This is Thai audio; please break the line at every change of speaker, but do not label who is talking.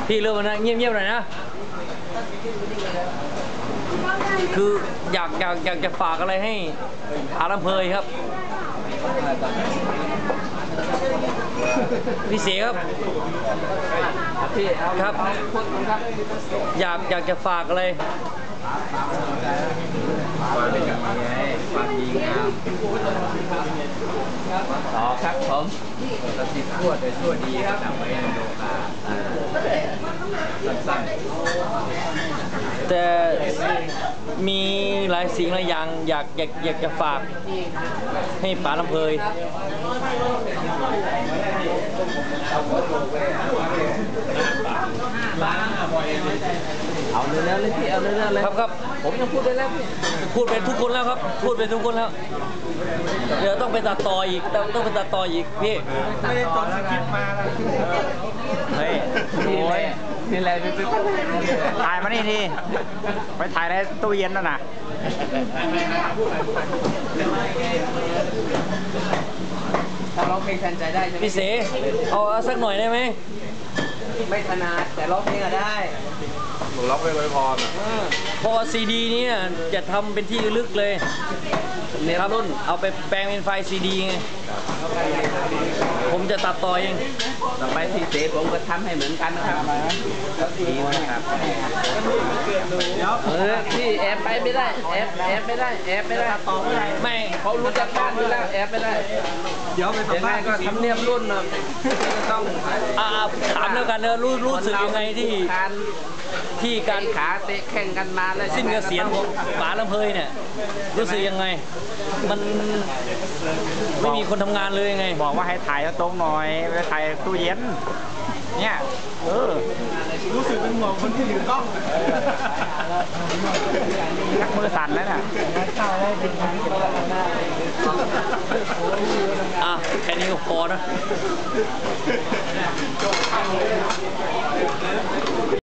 พี่เริ่มนะเงียบๆหน่อยนะคืออยากจะฝากอะไรให้อาลำเพยครับพี่เสครับพี่ครับอยากจะฝากอะไร
ความดีงามต่อครับผมสติชั่วแต่ชั่วดีครับจำไว้ในโลกาสั้น
ๆแต่มีหลายสิ่งหลายอย่างอยากจะฝากให้ป๋าลำเพย
เอาเร็วๆเลยพี่เอาเร็วๆเลย
ครับ
ผมยังพูดได้แล้วพี่
พูดไปทุกคนแล้วครับพูดไปทุกคนแล้วเดี๋ยวต้องไปตัดต่ออีกต้องไปตัดต่ออีกพี่
ไม่ได้จดสคริปต์มาแล้ว
เฮ้ย
โอ้ยนี่แหละ
ถ่ายมานี่ทีไปถ่ายในตู้เย็นน่ะนะ
ถ้าร้องเพลงแทนใจได้ใช่ไหม
พี่เสเอาสักหน่อยได้ไหม
ไม่ถนัดแต่ร้องเพลงก็ได้
หนูล็อกไว้พอ
พอซีดีนี้จะทำเป็นที่ลึกเลยครับรุ่นเอาไปแปลงเป็นไฟล์ซีดีไงผมจะตัดต่อเอง
ต่อไปพี่เสผมก็ทำให้เหมือนกันนะครับดีนะครับพี่แอบไปไม่ได้แอบไม่ได้ต่อไม่เขารู้จักการอยู่แล้วแอบไม่ได้เดี๋ยวไปสัมภาษณ์ก็ทำเนียบรุ่นนะต้อง
ถามแล้วกันนะรู้สึกยังไงที่การ
ขาเตะแข่งกันมาแล้ว
สิ้นเกษียณของป๋าลำเพยเนี่ยรู้สึกยังไงมันไม่มีคนทำงานเลยไง
บอกว่าให้ถ่ายตรงหน่อยไปถ่ายตู้เย็นเนี่ยรู้สึกเป็นห่วงคนที่ถือกล้องนักมือสั่นแล้วน่ะ
แค่นี้ก็พอนะ